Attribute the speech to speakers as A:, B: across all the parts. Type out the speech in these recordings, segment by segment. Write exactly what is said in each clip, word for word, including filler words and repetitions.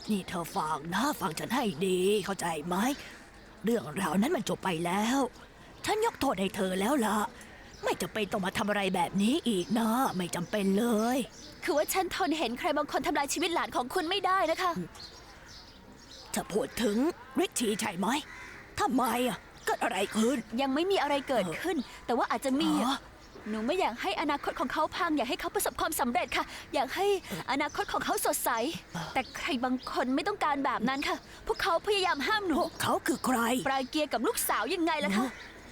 A: นี่เธอฟังนะฟังฉันให้ดีเข้าใจไหมเรื่องราวนั้นมันจบไปแล้วฉันยกโทษให้เธอแล้วล่ะไม่จำเป็นต้องมาทำอะไรแบบนี้อีกนะไม่จำเป็นเลย
B: คือว่าฉันทนเห็นใครบางคนทำลายชีวิตหลานของคุณไม่ได้นะคะ
A: จะพูดถึงริชชี่ใช่ไหมทำไมอ่ะเกิดอะไรขึ้น
B: ยังไม่มีอะไรเกิดขึ้นแต่ว่าอาจจะมีหนูไม่อยากให้อนาคตของเขาพังอยากให้เขาประสบความสำเร็จค่ะอยากให้อนาคตของเขาสดใสแต่ใครบางคนไม่ต้องการแบบนั้นค่ะพวกเขาพยายามห้ามหนู
A: เขาคือใคร
B: ปราเกียร์กับลูกสาวยังไงล่ะคะ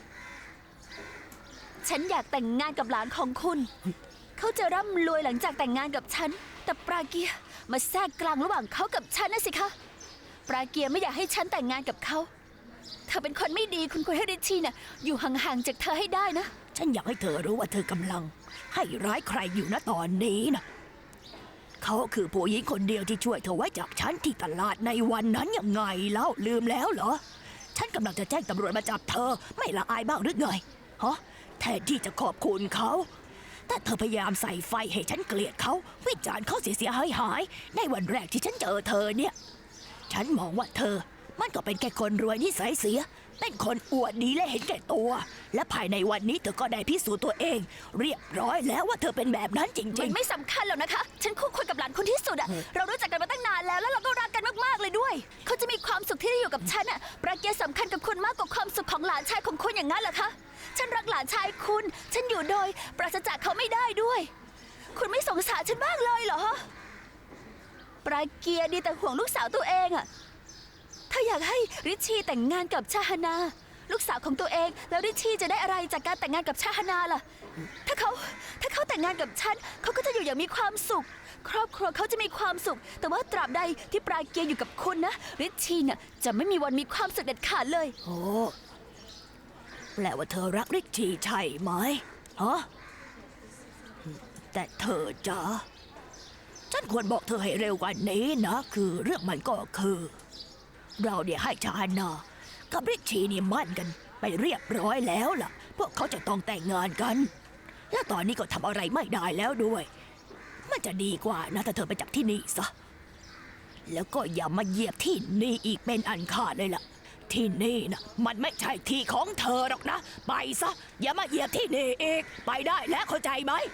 B: ฉันอยากแต่งงานกับหลานของคุณเขาจะร่ำรวยหลังจากแต่งงานกับฉันแต่ปราเกียร์มาแทรกกลางระหว่างเขากับฉันนะสิคะปราเกียร์ไม่อยากให้ฉันแต่งงานกับเขาเธอเป็นคนไม่ดีคุณควรให้ริชชี่น่ะอยู่ห่างๆจากเธอให้ได้นะ
A: ฉันอยากให้เธอรู้ว่าเธอกำลังให้ร้ายใครอยู่ณตอนนี้นะเขาคือผู้หญิงคนเดียวที่ช่วยเธอไว้จากฉันที่ตลาดในวันนั้นยังไงแล้วลืมแล้วเหรอฉันกำลังจะแจ้งตำรวจมาจับเธอไม่ละอายบ้างหรือไงฮะแทนที่จะขอบคุณเขาแต่เธอพยายามใส่ไฟให้ฉันเกลียดเขาวิจารณ์เขาเสียหายหายในวันแรกที่ฉันเจอเธอเนี่ยฉันมองว่าเธอมันก็เป็นแค่คนรวยนิสัยเสียเป็นคนอวดดีและเห็นแก่ตัวและภายในวันนี้เธอก็ได้พิสูจน์ตัวเองเรียบร้อยแล้วว่าเธอเป็นแบบนั้นจริงๆ
B: มันไม่สำคัญหรอกนะคะฉันคู่ควรกับหลานคนที่สุดอะเรารู้จักกันมาตั้งนานแล้วแล้วเราก็รักกันมากๆเลยด้วยเขาจะมีความสุขที่ได้อยู่กับฉันอะปราเกียร์สำคัญกับคุณมากกว่าความสุขของหลานชายของคุณอย่างนั้นเหรอคะฉันรักหลานชายคุณฉันอยู่โดยปราศจากเขาไม่ได้ด้วยคุณไม่สงสารฉันบ้างเลยเหรอปราเกียร์ดีแต่ห่วงลูกสาวตัวเองอะถ้าอยากให้ริชชี่แต่งงานกับชาฮานาลูกสาวของตัวเองแล้วริชชี่จะได้อะไรจากการแต่งงานกับชาฮานาล่ะถ้าเขาถ้าเขาแต่งงานกับฉันเขาก็จะอยู่อย่างมีความสุขครอบครัวเขาจะมีความสุขแต่ว่าตราบใดที่ปราเกียร์อยู่กับคุณนะริชชี่น่ะจะไม่มีวันมีความสุขเด็ดขาดเลย
A: โอ้แปลว่าเธอรักริชชี่ใช่ไหมฮะแต่เธอจ๋าฉันควรบอกเธอให้เร็วกว่านี้นะคือเรื่องมันก็คือเราเนี่ยให้ชาฮานากับริชชี่นี่มั่นกันไปเรียบร้อยแล้วล่ะพวกเขาจะต้องแต่งงานกันและตอนนี้ก็ทำอะไรไม่ได้แล้วด้วยมันจะดีกว่านะถ้าเธอไปจากที่นี่ซะแล้วก็อย่ามาเหยียบที่นี่อีกเป็นอันขาดเลยล่ะที่นี่นะมันไม่ใช่ที่ของเธอหรอกนะไปซะอย่ามาเหยียบที่นี่อีกไปได้แล้วเข้าใจไหม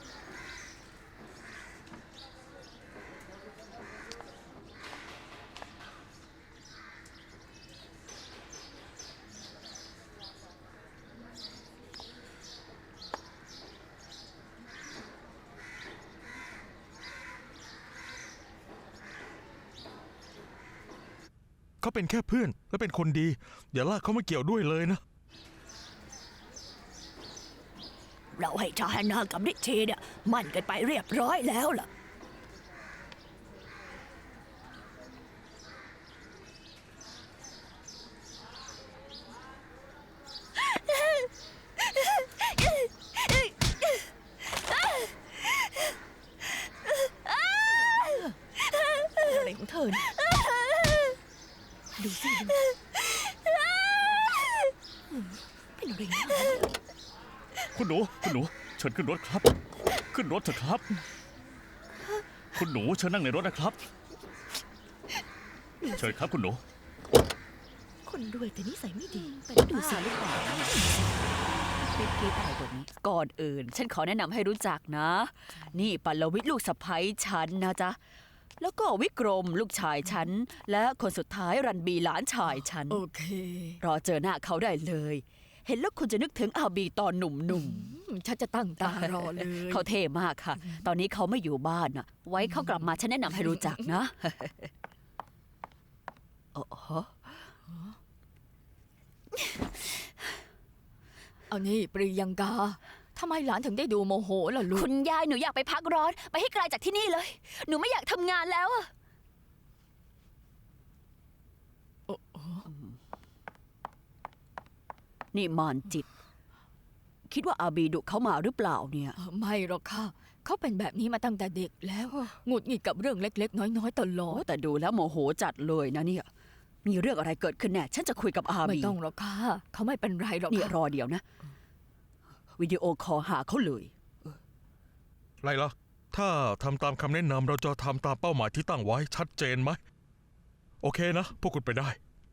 C: เขาเป็นแค่เพื่อนและเป็นคนดีอย่าลากเขามาเกี่ยวด้วยเลยนะ
A: เราให้ชาฮานากับริชชี่เนี่ยมั่นกันไปเรียบร้อยแล้วล่ะอะไรของเธอเนี่ยดูสิดูเป็นอะไรนะ
D: คุณหนูคุณหนูเชิญขึ้นรถครับขึ้นรถเถอะครับคุณหนูเชิญนั่งในรถนะครับเชิญครับคุณหนู
A: คนรวยแต่นิสัยไม่ดีไปดูสิลูกบ่าว
B: รีบกรี๊ดอะไรแบบนี้ก่อนอื่นฉันขอแนะนำให้รู้จักนะนี่ปัลลวิทย์ลูกสะใภ้ฉันนะจ๊ะแล้วก็วิกรมลูกชายฉันและคนสุดท้ายรันบีหลานชายฉัน
A: โอเค
B: รอเจอหน้าเขาได้เลยเห็นแล้วคุณจะนึกถึงอาบีตอนหนุ่ม
A: ๆฉันจะตั้งตารอเลย
B: เขาเท่มากค่ะตอนนี้เขาไม่อยู่บ้านนะไว้เขากลับมาฉันแนะนำให้รู้จักนะโอ้โห
A: เอานี่ปรียังกาทำไมหลานถึงได้ดูโมโหล่ะลูก
B: คุณยายหนูอยากไปพักร้อนไปให้ไกลจากที่นี่เลยหนูไม่อยากทำงานแล้วอะนี่มานจิตคิดว่าอาบีดุเขามาหรือเปล่าเนี่ย
A: ไม่หรอกค่ะเขาเป็นแบบนี้มาตั้งแต่เด็กแล้วหงุดหงิดกับเรื่องเล็กๆน้อยๆตลอด
B: แต่ดูแล้วโมโหจัดเลยนะเนี่ยมีเรื่องอะไรเกิดขึ้นแน่ฉันจะคุยกับอาบี
A: ไม่ต้องหรอกค่ะเขาไม่เป็นไรหรอก
B: นี่รอเดี๋ยวนะวิดีโอคอลหาเขาเลย
C: ไรล่ะถ้าทำตามคำแนะนำเราจะทำตามเป้าหมายที่ตั้งไว้ชัดเจนไหมโอเคนะ พวกคุณไปได้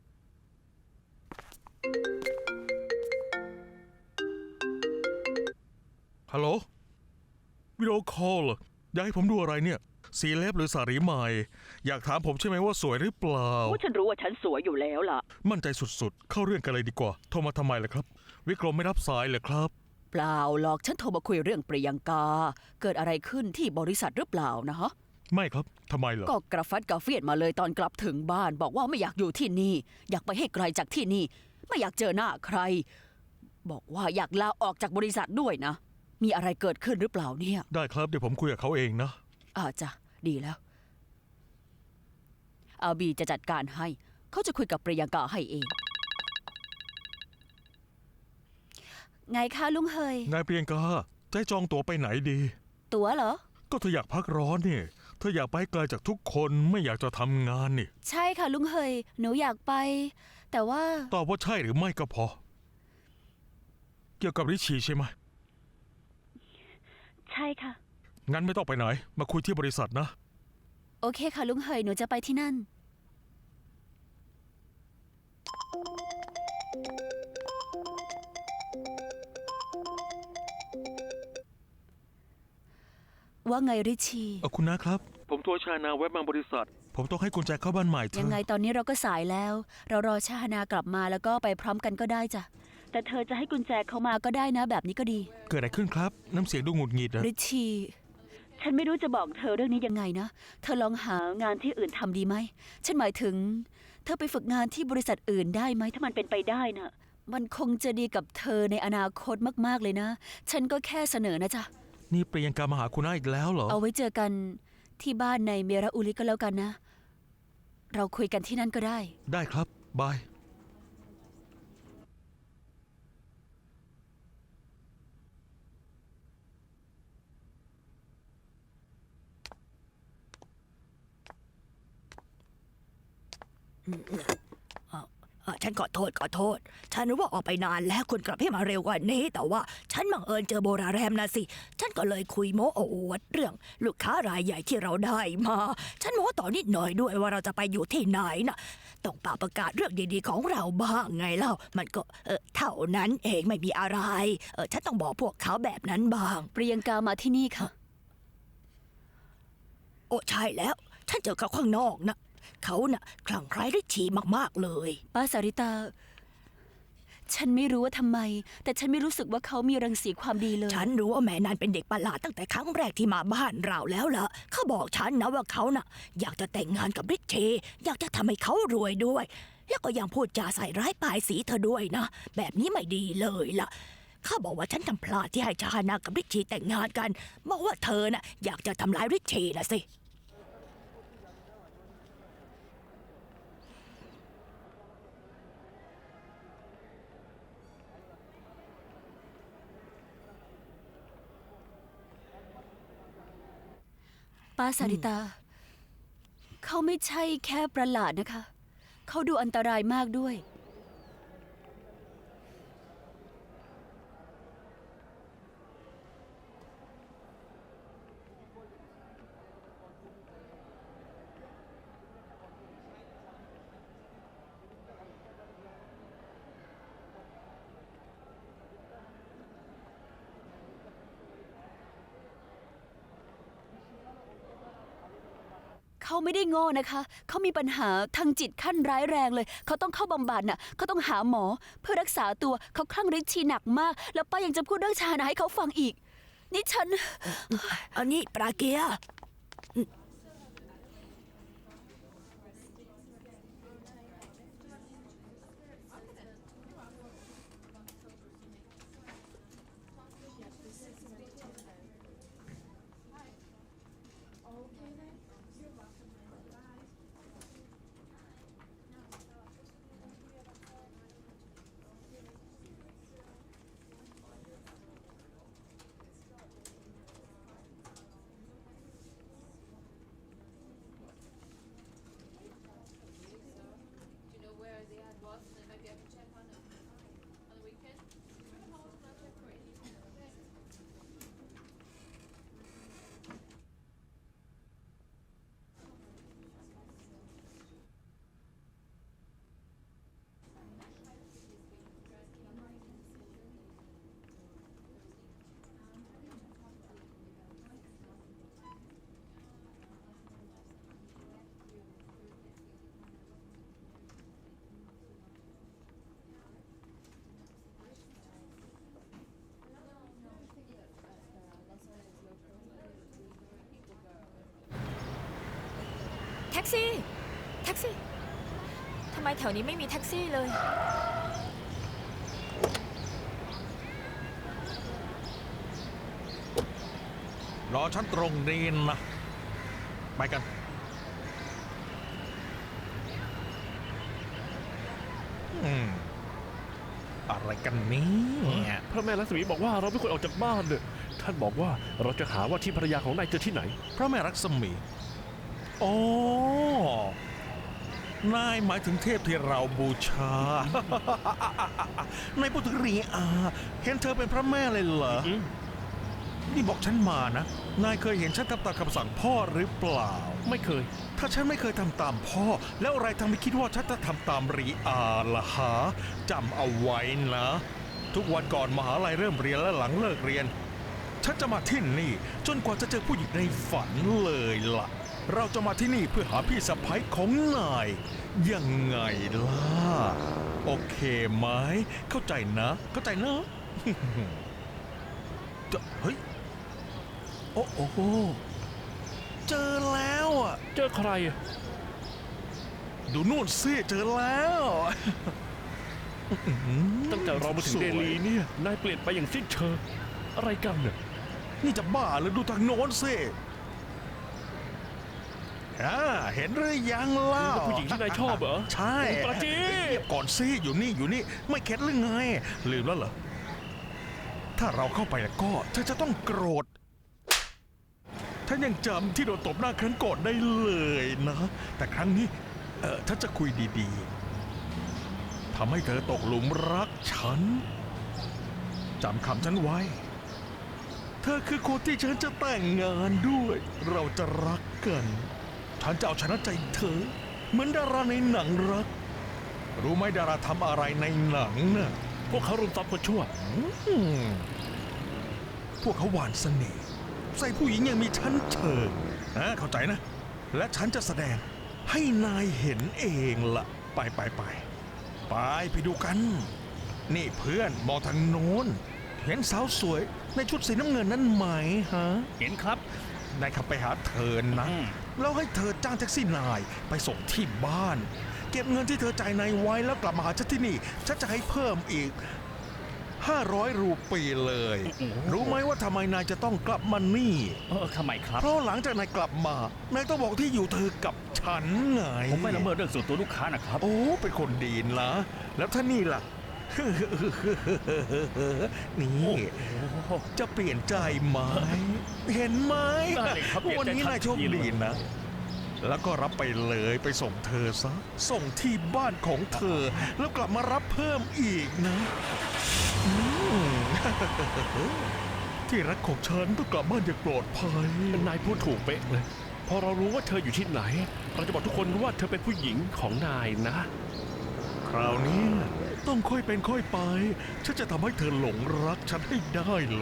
C: ฮัลโหล วิดีโอคอลเหรออยากให้ผมดูอะไรเนี่ย สีเล็บหรือสารีใหม่ อยากถามผมใช่ไหมว่าสวยหรือเปล่า
E: ว่าฉันรู้ว่าฉันสวยอยู่แล้วล่ะ
C: มั่นใจสุดๆ เข้าเรื่องกันเลยดีกว่า โทรมาทำไมล่ะครับ วิกรมไม่รับสายเลยครับ
E: เปล่าหรอกฉันโทรมาคุยเรื่องปริยังกา เกิดอะไรขึ้นที่บริษัทหรือเปล่านะฮะ
C: ไม่ครับทำไมเหรอ
E: ก็กระฟัดกระเฟียดมาเลยตอนกลับถึงบ้าน บอกว่าไม่อยากอยู่ที่นี่ อยากไปให้ไกลจากที่นี่ ไม่อยากเจอหน้าใคร บอกว่าอยากลาออกจากบริษัทด้วยนะ มีอะไรเกิดขึ้นหรือเปล่าเนี่ย
C: ได้ครับเดี๋ยวผมคุยกับเขาเองนะ
E: อาจ้ะดีแล้วอาบีจะจัดการให้ เขาจะคุยกับปริยังกาให้เอง ไงคะลุงเฮย
C: นายเปรียงกาจะให้จองตั๋วไปไหนดี
E: ตั๋วเหรอ
C: ก็เธออยากพักร้อนนี่ เธออยากไปไกลจากทุกคนไม่อยากจะทำงานนี่
B: ใช่ค่ะลุงเฮยหนูอยากไป แต่ว่า
C: ตอบว่าใช่หรือไม่ก็พอ เกี่ยวกับริชีใช่ไหม
B: ใช่ค่ะ
C: งั้นไม่ต้องไปไหน มาคุยที่บริษัทนะ
B: โอเคค่ะลุงเฮยหนูจะไปที่นั่น ว่าไงริชี
C: เออคุณนะครับ ผมตัวชานาแวะมาบริษัท ผมต้องให้กุญแจเข้าบ้านใหม่เธอ
B: ยังไงตอนนี้เราก็สายแล้ว เรารอชาฮานากลับมาแล้วก็ไปพร้อมกันก็ได้จ้ะ แต่เธอจะให้กุญแจเขามาก็ได้นะ แบบนี้ก็ดี
C: เกิดอะไรขึ้นครับ น้ำเสียงดูหงุดหงิดอะ
B: ริชี ฉันไม่รู้จะบอกเธอเรื่องนี้ยังไงนะ เธอลองหางานที่อื่นทำดีไหม ฉันหมายถึง เธอไปฝึกงานที่บริษัทอื่นได้ไหม ถ้ามันเป็นไปได้นะ มันคงจะดีกับเธอในอนาคตมากๆเลยนะ ฉันก็แค่เสนอนะจ๊ะ
C: นี่เปรียงกามาหาคุณน้าอีกแล้วเหรอ
B: เอาไว้เจอกันที่บ้านในเมราอุลิก็แล้วกันนะ เราคุยกันที่นั่นก็ได้
C: ได้ครับ บาย
A: อ่ะฉันขอโทษขอโทษ ฉันรู้ว่าออกไปนานแล้วคุณกลับให้มาเร็วกว่านี้ แต่ว่าฉันบังเอิญเจอโบราแรมนะสิ ฉันก็เลยคุยโม้โอวดเรื่องลูกค้ารายใหญ่ที่เราได้มา ฉันโม้ต่อนิดหน่อยด้วยว่าเราจะไปอยู่ที่ไหนนะต้องป่าประกาศเรื่องดีๆของเราบ้างไงเล่า มันก็เออเท่านั้นเองไม่มีอะไรเออฉันต้องบอกพวกเขาแบบนั้นบ้าง
B: เปรียงกามาที่นี่ค่ะ
A: โอ้ใช่แล้ว ฉันเจอเขาข้างนอกนะเขาน่ะคลั่งไคล้ริชีมากๆเลย
B: ป้าสาริตา ฉันไม่รู้ว่าทำไม แต่ฉันไม่รู้สึกว่าเขามีรังสีความดีเลย
A: ฉันรู้ว่าแม่นันเป็นเด็กประหลาดตั้งแต่ครั้งแรกที่มาบ้านเราแล้วล่ะ เขาบอกฉันนะว่าเขาน่ะ อยากจะแต่งงานกับริชเชอยากจะทำให้เขารวยด้วย แล้วก็ยังพูดจาใส่ร้ายป้ายสีเธอด้วยนะ แบบนี้ไม่ดีเลยล่ะ เขาบอกว่าฉันทำพลาดที่ให้ชาฮานากับริชชีแต่งงานกันบอกว่าเธอน่ะอยากจะทำร้ายริชชีนะสิ
B: ป้าสาริตา เขาไม่ใช่แค่ประหลาดนะคะ เขาดูอันตรายมากด้วยเขาไม่ได้โง่นะคะ เขามีปัญหาทางจิตขั้นร้ายแรงเลย เขาต้องเข้าบำบัดน่ะ เขาต้องหาหมอเพื่อรักษาตัว เขาคลั่งฤทธิ์ชีหนักมาก แล้วป้ายังจะพูดเรื่องชานะให้เขาฟังอีก นี่ฉัน
A: อันนี้ปราเกีย
F: ซี่ แท็กซี่ ทำไมแถวนี้ไม่มีแท็กซี่เลย
C: รอฉันตรงนี้นะ ไปกัน อืม อะไรกันเนี่ย
G: พระแม่ลักษมีบอกว่าเราไม่ควรออกจากบ้านเนี่ยท่านบอกว่าเราจะหาว่าที่ภรรยาของนายเจอที่ไหน
C: พระแม่รักษมีอ๋อนายหมายถึงเทพที่เราบูชา ในพูดถึงรีอาเห็นเธอเป็นพระแม่เลยเหรอ
G: อืม
C: นี่บอกฉันมานะ นายเคยเห็นฉันทำตามคำสั่งพ่อหรือเปล่า
G: ไม่เคย
C: ถ้าฉันไม่เคยทำตามพ่อ แล้วอะไรทำให้คิดว่าฉันจะทำตามรีอาล่ะฮะจำเอาไว้นะ ทุกวันก่อนมหาลัยเริ่มเรียนและหลังเลิกเรียน ฉันจะมาที่นี่ จนกว่าจะเจอผู้หญิงในฝันเลยล่ะ เราจะมาที่นี่เพื่อหาพี่สะใภ้ของนาย ยังไงล่ะ โอเคไหม เข้าใจนะ เข้าใจนะ จะเฮ้ย โอ้โห เจอแล้วอ่ะ
G: เจอใครอะ
C: ดูนู่นสิเจอแล้ว
G: ตั้งแต่เรามาถึง
C: สวย
G: เดลีเนี่ยนายเปลี่ยนไปอย่างสิ้นเชิงอะไรกันเนี่ย
C: นี่จะบ้าหรือดูทางโน้นสิอ่าเห็นหรือยังเล่า
G: เป็นผู้หญิงที่นายชอบเหรอ
C: ใช่
G: ปราจี
C: เงียบก่อนสิอยู่นี่อยู่นี่ ไม่เข็ดหรือไง ลืมแล้วเหรอ ถ้าเราเข้าไปแล้วก็เธอจะต้องโกรธท่านยังจำที่โดนตบหน้าครั้งก่อนได้เลยนะ แต่ครั้งนี้ เออถ้าจะคุยดีๆทำให้เธอตกหลุมรักฉันจำคำฉันไว้ เธอคือคนที่ฉันจะแต่งงานด้วย เราจะรักกัน ฉันจะเอาชนะใจเธอ เหมือนดาราในหนังรัก รู้ไหมดาราทำอะไรในหนังน่ะ
G: พวกเขารุมซ้อมคนชั่ว
C: อืมพวกเขาหวานเสน่ห์ใส่ผู้หญิงยังมีชั้นเชิงนะเข้าใจนะ และฉันจะแสดงให้นายเห็นเองละไปไปไปไปไปดูกัน นี่เพื่อนมองทางโน้น เห็นสาวสวยในชุดสีน้ำเงินนั้นไหมฮะ
D: เห็นครับ
C: นายขับไปหาเธอนะ
D: อืม
C: แล้วให้เธอจ้างแท็กซี่นายไปส่งที่บ้าน เก็บเงินที่เธอจ่ายนายไว้แล้วกลับมาหาฉันที่นี่ฉันจะให้เพิ่มอีกห้าร้อยรูปีเลย รู้ไหมว่าทำไมนายจะต้องกลับมานี่
D: เออทำไมครับ
C: เพราะหลังจากนายกลับมา นายต้องบอกที่อยู่เธอกับฉันไง
D: ผมไม่ละเมิดเรื่องส่วนตัวลูกค้านะครับ
C: โอ้ เป็นคนดีนะ แล้วท่านี่ล่ะ นี่ จะเปลี่ยนใจไหม เห็นไหม
D: ได้เลยครับเปลี่ยนใจ
C: วันนี้นายโชคดีนะ แล้วก็รับไปเลยไปส่งเธอซะ ส่งที่บ้านของเธอ แล้วกลับมารับเพิ่มอีกนะอืม ที่รักของฉันต้องกลับบ้านอย่างปลอดภัย
G: นายพูดถูกเป๊ะเลย พอเรารู้ว่าเธออยู่ที่ไหน เราจะบอกทุกคนว่าเธอเป็นผู้หญิงของนายนะ
C: คราวนี้ต้องค่อยเป็นค่อยไป ฉันจะทำให้เธอหลงรักฉันให้ได้เลย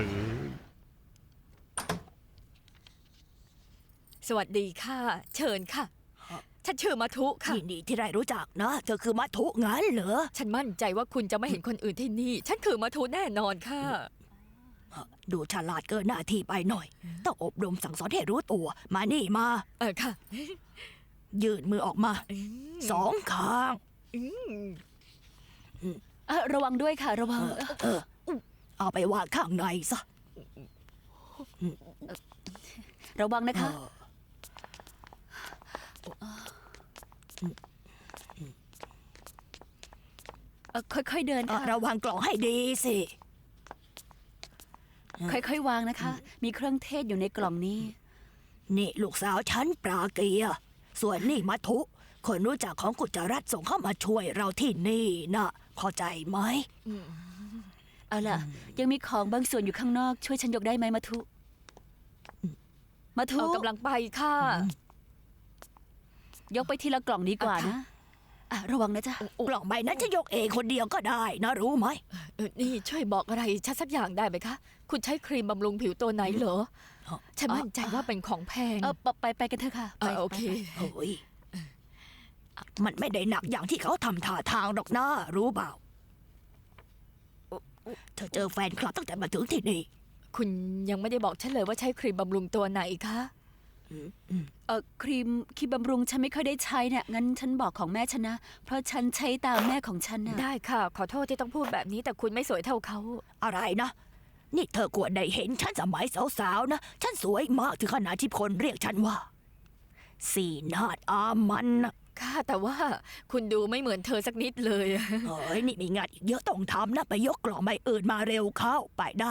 F: สวัสดีค่ะ เชิญค่ะ ฉันชื่อมาทุค่ะ
A: ยินดีที่ได้รู้จักนะ เธอคือมัทุงั้นเหรอ
F: ฉันมั่นใจว่าคุณจะไม่เห็นคนอื่นที่นี่ ฉันคือมาทุแน่นอนค่ะ
A: ดูฉลาดเกินหน้าที่ไปหน่อย ต้องอบรมสั่งสอนให้รู้ตัว มานี่มา
F: เออค่ะ
A: ยื่นมือออกมา สองข้าง
B: เอ่อระวังด้วยค่ะ ระวัง
A: เออ เอาไปวางข้างในซะ
B: ระวังนะคะ เอ่อค่อยๆเดิน
A: อ่ะ
B: ค่ะ
A: ระวังกล่องให้ดีสิ
B: ค่อยๆวางนะคะ มีเครื่องเทศอยู่ในกล่องนี้
A: นี่ลูกสาวฉันปราเกียร์ส่วนนี่มัทุ คนรู้จักของกุจรัตส่งเข้ามาช่วยเราที่นี่นะเข้าใจไหม
B: เอาล่ะ ยังมีของบางส่วนอยู่ข้างนอก ช่วยฉันยกได้ไหมมาทุ มาทุ
F: เอากำลังไปค่ะ
B: ยกไปทีละกล่องดีกว่านะอ่ะระวังนะจ๊ะ
A: กล่องใบนั้นจะยกเองคนเดียวก็ได้นะรู้ไหม
F: เออนี่ช่วยบอกอะไรฉันสักอย่างได้ไหมคะ คุณใช้ครีมบำรุงผิวตัวไหนเหรอ ฉันมั่นใจว่าเป็นของแพง
B: เออไปไปไปกันเถอะค่ะ
F: เออโอเค
A: เฮ้ยมันไม่ได้หนักอย่างที่เขาทำท่าทางหรอกนะรู้เปล่า เธอเจอแฟนคลับตั้งแต่มาถึงที่นี่
F: คุณยังไม่ได้บอกฉันเลยว่าใช้ครีมบำรุงตัวไหนคะ
E: เออครีมครีมบำรุงฉันไม่ค่อยได้ใช้เนี่ยงั้นฉันบอกของแม่ฉันนะ เพราะฉันใช้ตามแม่ของฉันนะ
F: ได้ค่ะ ขอโทษที่ต้องพูดแบบนี้แต่คุณไม่สวยเท่าเขา
A: อะไรนะ นี่เธอควรได้เห็นฉันสมัยสาวๆนะ ฉันสวยมากถึงขนาดที่คนเรียกฉันว่า สีนาดอามันนะ
F: ค่ะ แต่ว่าคุณดูไม่เหมือนเธอสักนิดเลย
A: เฮ้ย นี่มีงานอีกเยอะต้องทำนะ ไปยกกล่องใบอื่นมาเร็วเข้าไปได้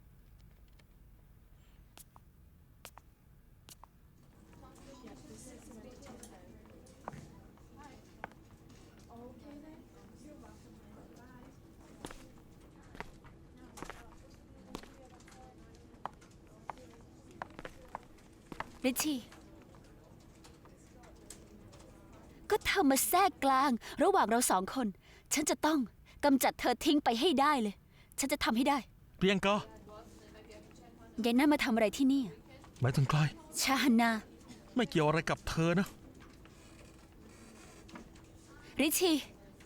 B: ริชชี่ก็เธอมาแทรกกลาง ระหว่างเราสองคน ฉันจะต้องกำจัดเธอทิ้งไปให้ได้เลย ฉันจะทำให้ได้
C: เพียงก็
B: ยายนั่นมาทำอะไรที่นี่
C: หมายถึงใคร
B: ชาฮันนา
C: ไม่เกี่ยวอะไรกับเธอนะ
B: ริชชี่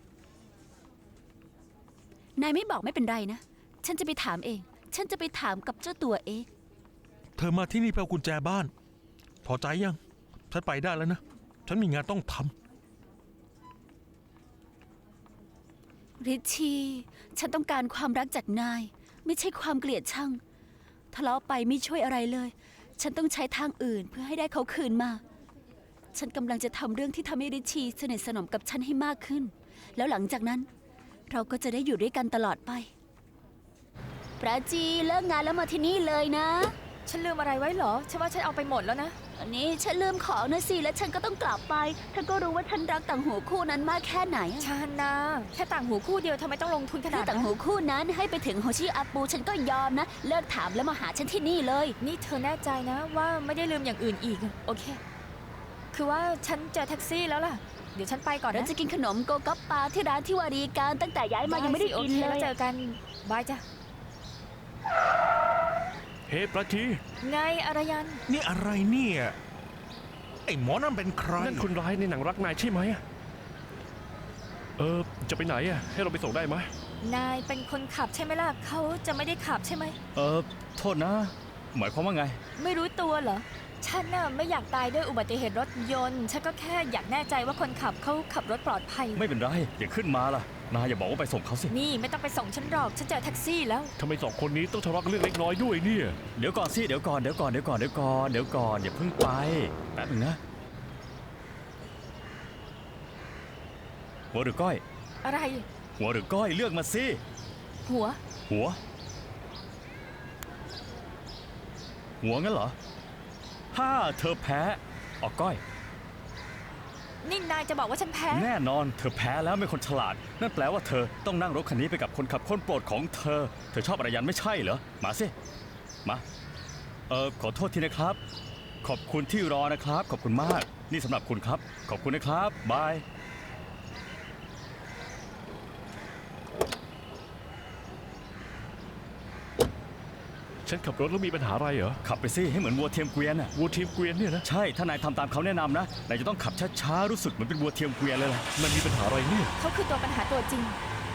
B: นายไม่บอกไม่เป็นไรนะ ฉันจะไปถามเอง ฉันจะไปถามกับเจ้าตัวเอง
C: เธอมาที่นี่เพื่อเอากุญแจบ้าน พอใจยัง ฉันไปได้แล้วนะ ฉันมีงานต้องทำ
B: ริชชี่ฉันต้องการความรักจากนาย ไม่ใช่ความเกลียดชังทะเลาะไปไม่ช่วยอะไรเลย ฉันต้องใช้ทางอื่นเพื่อให้ได้เขาคืนมา ฉันกำลังจะทำเรื่องที่ทำให้ริชชี่สนิทสนมกับฉันให้มากขึ้น แล้วหลังจากนั้น เราก็จะได้อยู่ด้วยกันตลอดไป ปราจีเลิกงานแล้วมาที่นี่เลยนะ
F: ฉันลืมอะไรไว้เหรอ ฉันว่าฉันเอาไปหมดแล้วนะ
B: อันนี้ฉันลืมของนะสิ และฉันก็ต้องกลับไปเธอก็รู้ว่าฉันรักต่างหูคู่นั้นมากแค่ไหนอะ
F: ชาฮันนา แค่ต่างหูคู่เดียวทำไมต้องลงทุนข
B: ถ้า
F: นาด
B: ต่าง
F: นั้น
B: หูคู่นั้นให้ไปถึงโฮชิอาปูฉันก็ยอมนะ เลิกถามแล้วมาหาฉันที่นี่เลย
F: นี่เธอแน่ใจนะว่าไม่ได้ลืมอย่างอื่นอีก โอเค คือว่าฉันเจอแท็กซี่แล้วล่ะ เดี๋ยวฉันไปก่อน
B: เรา
F: นะ
B: จะกินขนมโกกัปปาที่ร้านที่วารีการตั้งแต่ย้ายมายังไม่ได้
F: สิโอ
B: กิน
F: เค
B: เล
F: แล้ว
B: ย
F: เจอกัน บายจ้ะ
G: เฮ้ประจี
F: ไงอารยัน
C: นี่อะไรเนี่ย ไอ้หมอนั่นเป็นใคร
G: นั่นคนร้ายในหนังรักนายใช่ไหมเออจะไปไหนอ่ะให้เราไปส่งได้ไหม
F: นายเป็นคนขับใช่ไหมล่ะ เขาจะไม่ได้ขับใช่ไหม
D: เออโทษนะ หมายความว่าไง
F: ไม่รู้ตัวเหรอ ฉันน่ะไม่อยากตายด้วยอุบัติเหตุรถยนต์ ฉันก็แค่อยากแน่ใจว่าคนขับเขาขับรถปลอดภัย
D: ไม่เป็นไรอย่าขึ้นมาล่ะนายอย่าบอกว่าไปส่งเขาสิ
F: นี่ไม่ต้องไปส่งฉันหรอก ฉันเจอแท็กซี่แล้ว
G: ทำไมสองคนนี้ต้องทะเลาะกันเรื่องเล็กน้อยด้วยเนี่ย
D: เดี๋ยวก่อนสิเดี๋ยวก่อนเดี๋ยวก่อนเดี๋ยวก่อนเดี๋ยวก่อนเดี๋ยวก่อนอย่าเพิ่งไปแป๊บนึงนะหัวหรือก้อย
F: อะไร
D: หัวหรือก้อยเลือกมาสิ
F: หัว
D: หัว หัวงั้นเหรอถ้าเธอแพ้ออกก้อย
F: นี่นายจะบอกว่าฉันแพ้
D: แน่นอนเธอแพ้แล้วเป็นคนฉลาด นั่นแปลว่าเธอต้องนั่งรถคันนี้ไปกับคนขับคนโปรดของเธอ เธอชอบอารยันไม่ใช่เหรอ มาสิ มา เออขอโทษทีนะครับ ขอบคุณที่รอนะครับ ขอบคุณมาก นี่สำหรับคุณครับ ขอบคุณนะครับ บาย
G: ฉันขับรถแล้วมีปัญหาอะไรเหรอ
D: ขับไปสิให้เหมือนวัวเทียมเกวียนน่ะ
G: วัวทีมเกวียนเนี่ยนะ
D: ใช่ ถ้านายทำตามเขาแนะนำนะ นายจะต้องขับช้าๆ รู้สึกเหมือนเป็นวัวเทียมเกวียนเลยล่ะ
G: มันมีปัญหาอะไรเนี่ย
F: เขาคือตัวปัญหาตัวจริง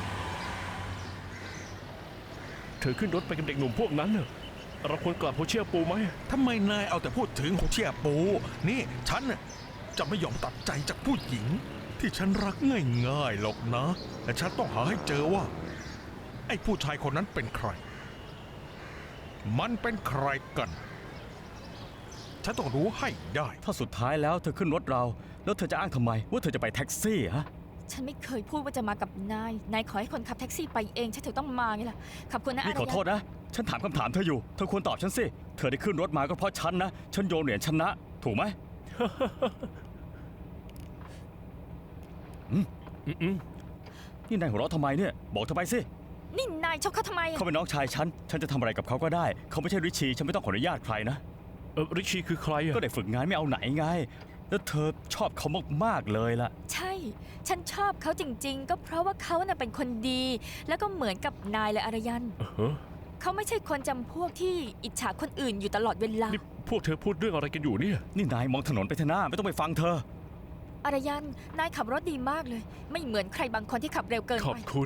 G: เธอขึ้นรถไปกับเด็กหนุ่มพวกนั้นเนอะเราควรกลับโฮเชียปูไหม
C: ทำไมนายเอาแต่พูดถึงโฮเชียปู นี่ฉันน่ะจะไม่ยอมตัดใจจากผู้หญิง ที่ฉันรักง่ายๆหรอกนะ แต่ฉันต้องหาให้เจอว่า ไอ้ผู้ชายคนนั้นเป็นใคร มันเป็นใครกัน ฉันต้องรู้ให้ได้
D: ถ้าสุดท้ายแล้วเธอขึ้นรถเรา แล้วเธอจะอ้างทำไม ว่าเธอจะไปแท็กซี่ฮะ
F: ฉันไม่เคยพูดว่าจะมากับนาย นายขอให้คนขับแท็กซี่ไปเอง ฉันถึงต้องมาไงล่ะ ขอบคุณนะอา
D: นี่
F: ร
D: ขอโท
F: ยั
D: ษ
F: น
D: นะ ฉันถามคำถามเธออยู่ เธอควรตอบฉันสิ เธอได้ขึ้นรถมาก็เพราะฉันนะ ฉันโยนเหรียญชนะ ถูกไหม
G: อืม
D: นี่นายหัวเราะทำไมเนี่ย บอกเธอไปสิ
F: นี่นายชกเขาทำไมอะ
D: เขาเป็นน้องชายฉัน ฉันจะทำอะไรกับเขาก็ได้ เขาไม่ใช่ริชี ฉันไม่ต้องขออนุญาตใครนะ
G: เออริชชี่คือใครอะ
D: ก็ได้ฝึกงานไม่เอาไหนไง แล้วเธอชอบเขามากๆเลยล่ะ
F: ใช่ ฉันชอบเขาจริง ๆ ก็เพราะว่าเขาน่ะเป็นคนดี แล้วก็เหมือนกับนายเลยอารยัน
G: เออฮะ
F: เขาไม่ใช่คนจำพวกที่อิจฉาคนอื่นอยู่ตลอดเวลา
G: นี่พวกเธอพูดเรื่องอะไรกันอยู่เนี่ย
D: นี่นายมองถนนไปเถอะหน้าไม่ต้องไปฟังเธอ
F: อารยัน นายขับรถดีมากเลย ไม่เหมือนใครบางคนที่ขับเร็วเกิน
G: ขอบ
F: ไป
G: คุณ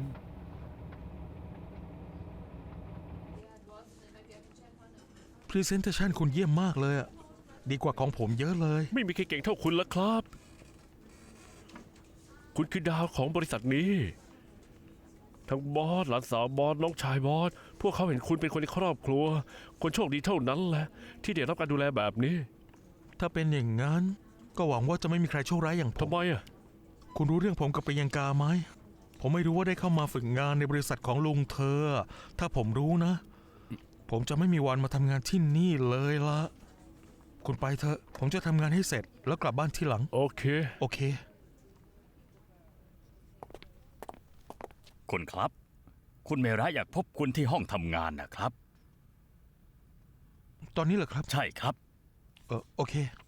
C: Presentation คุณเยี่ยมมากเลยอะดีกว่าของผมเยอะเลย
G: ไม่มีใครเก่งเท่าคุณแล้วครับ คุณคือดาวของบริษัทนี้ ทั้งบอสหลานสาวบอสน้องชายบอสพวกเขาเห็นคุณเป็นคนในครอบครัว คนโชคดีเท่านั้นแหละ ที่ได้รับการดูแลแบบนี้
C: ถ้าเป็นอย่างนั้น ก็หวังว่าจะไม่มีใครโชคร้ายอย่างผม
G: ทำไมอ่ะ
C: คุณรู้เรื่องผมกับปยังกาไหม ผมไม่รู้ว่าได้เข้ามาฝึกงานในบริษัทของลุงเธอ ถ้าผมรู้นะ ผมจะไม่มีวันมาทำงานที่นี่เลยละคุณไปเถอะ ผมจะทำงานให้เสร็จแล้วกลับบ้านที่หลัง
G: โอเค
C: โอเค
D: คุณครับ คุณเมระอยากพบคุณที่ห้องทำงานนะครับ
C: ตอนนี้เหรอครับ
D: ใช่ครับ
C: เออโอเค